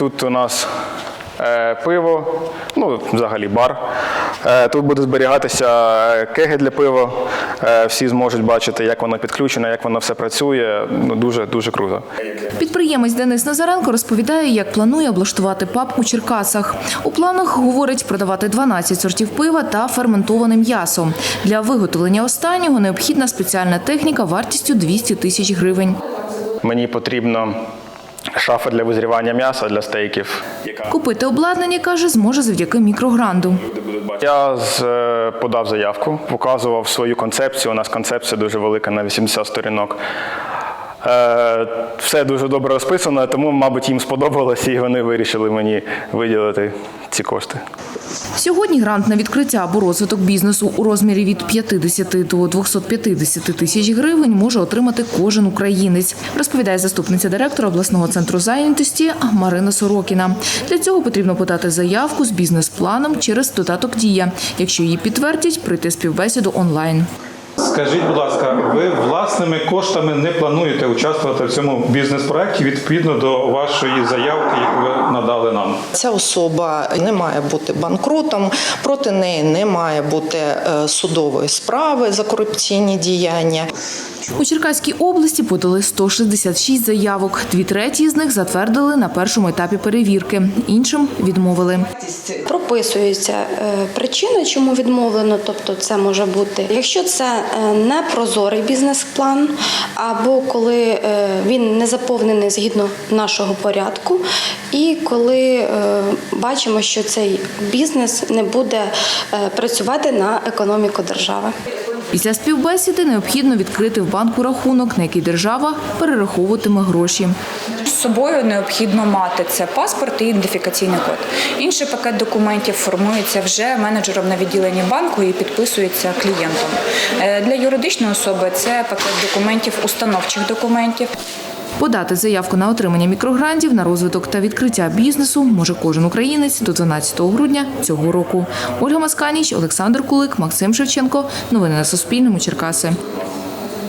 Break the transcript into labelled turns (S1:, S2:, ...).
S1: Тут у нас пиво, ну, взагалі бар. Тут буде зберігатися кеги для пива. Всі зможуть бачити, як воно підключено, як воно все працює. Ну, дуже круто.
S2: Підприємець Денис Назаренко розповідає, як планує облаштувати паб у Черкасах. У планах, говорить, продавати 12 сортів пива та ферментоване м'ясо. Для виготовлення останнього необхідна спеціальна техніка вартістю 200 тисяч гривень.
S1: Мені потрібно шафа для визрівання м'яса, для стейків.
S2: Купити обладнання, каже, зможе завдяки мікрогранду.
S1: Я подав заявку, показував свою концепцію. У нас концепція дуже велика, на 80 сторінок. Все дуже добре розписано, тому, мабуть, їм сподобалося і вони вирішили мені виділити ці кошти.
S2: Сьогодні грант на відкриття або розвиток бізнесу у розмірі від 50 до 250 тисяч гривень може отримати кожен українець, розповідає заступниця директора обласного центру зайнятості Марина Сорокіна. Для цього потрібно подати заявку з бізнес-планом через додаток «Дія». Якщо її підтвердять, пройти співбесіду онлайн.
S3: Скажіть, будь ласка, ви власними коштами не плануєте участвувати в цьому бізнес-проєкті відповідно до вашої заявки, яку ви надали нам?
S4: Ця особа не має бути банкрутом, проти неї не має бути судової справи за корупційні діяння.
S2: У Черкаській області подали 166 заявок. 2/3 з них затвердили на першому етапі перевірки, іншим відмовили.
S5: Прописується причина, чому відмовлено, тобто це може бути, якщо це непрозорий бізнес-план, або коли він не заповнений згідно нашого порядку, і коли бачимо, що цей бізнес не буде працювати на економіку держави.
S2: Після співбесіди необхідно відкрити в банку рахунок, на який держава перераховуватиме гроші.
S6: З собою необхідно мати це паспорт і ідентифікаційний код. Інший пакет документів формується вже менеджером на відділенні банку і підписується клієнтом. Для юридичної особи це пакет документів, установчих документів.
S2: Подати заявку на отримання мікрогрантів на розвиток та відкриття бізнесу може кожен українець до 12 грудня цього року. Ольга Масканіч, Олександр Кулик, Максим Шевченко. Новини на Суспільному. Черкаси.